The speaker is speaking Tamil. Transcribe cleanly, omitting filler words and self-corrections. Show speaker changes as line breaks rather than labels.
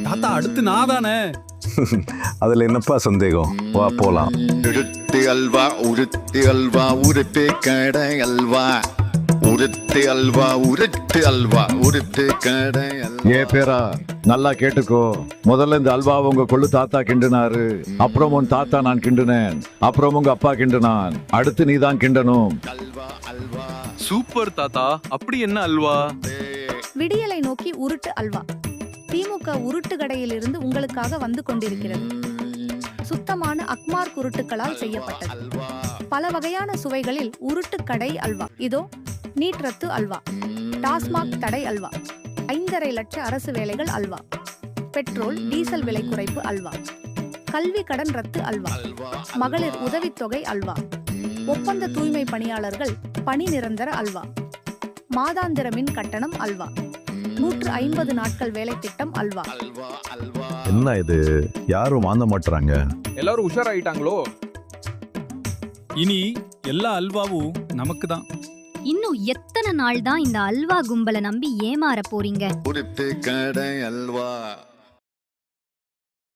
தாத்தா அடுத்து நான் தானே.
அதுல என்னப்பா சந்தேகம், வா போலாம்.
உருட்டு அல்வா உருட்டு அல்வா உருட்டு கடை அல்வா உருட்டு அல்வா உருட்டு அல்வா உருட்டு கடை அல்வா.
ஏ பேரா நல்லா கேட்டுக்கோ. முதல்ல இந்த அல்வா உங்க கொள்ளு தாத்தா கிண்டுனாரு, அப்புறம் உன் தாத்தா நான் கிண்டுனேன், அப்புறம் உங்க அப்பா கிண்டுனான், அடுத்து நீ தான் கிண்டணும்.
அல்வா அல்வா
சூப்பர் தாத்தா. அப்படி என்ன அல்வா?
விடியலை நோக்கி உருட்டு அல்வா. திமுக உருட்டு கடையிலிருந்து உங்களுக்காக வந்து கொண்டிருக்கிறது. சுத்தமான அக்மார் உருட்டுகளால் செய்யப்பட்டது. பல வகையான சுவைகளில் உருட்டு கடை அல்வா. இதோ நீட் ரத்து அல்வா, டாஸ்மாக் தடை அல்வா, 5.5 லட்ச அரசு வேலைகள் அல்வா, பெட்ரோல் டீசல் விலை குறைப்பு அல்வா, கல்வி கடன் ரத்து அல்வா, மகளிர் உதவித்தொகை அல்வா, ஒப்பந்த தூய்மை பணியாளர்கள் பணி நிரந்தர அல்வா, மாதாந்திர மின் கட்டணம் அல்வா, 150 நாட்கள் வேலை திட்டம் அல்வா.
என்ன இது, யாரும் வாங்க மாட்டுறாங்க.
எல்லாரும் உஷாராயிட்டாங்களோ? இனி எல்லா அல்வாவும் நமக்கு தான்.
இன்னும் எத்தனை நாள் தான் இந்த அல்வா கும்பலை நம்பி ஏமாற போறீங்க?
உருட்டு கடை அல்வா.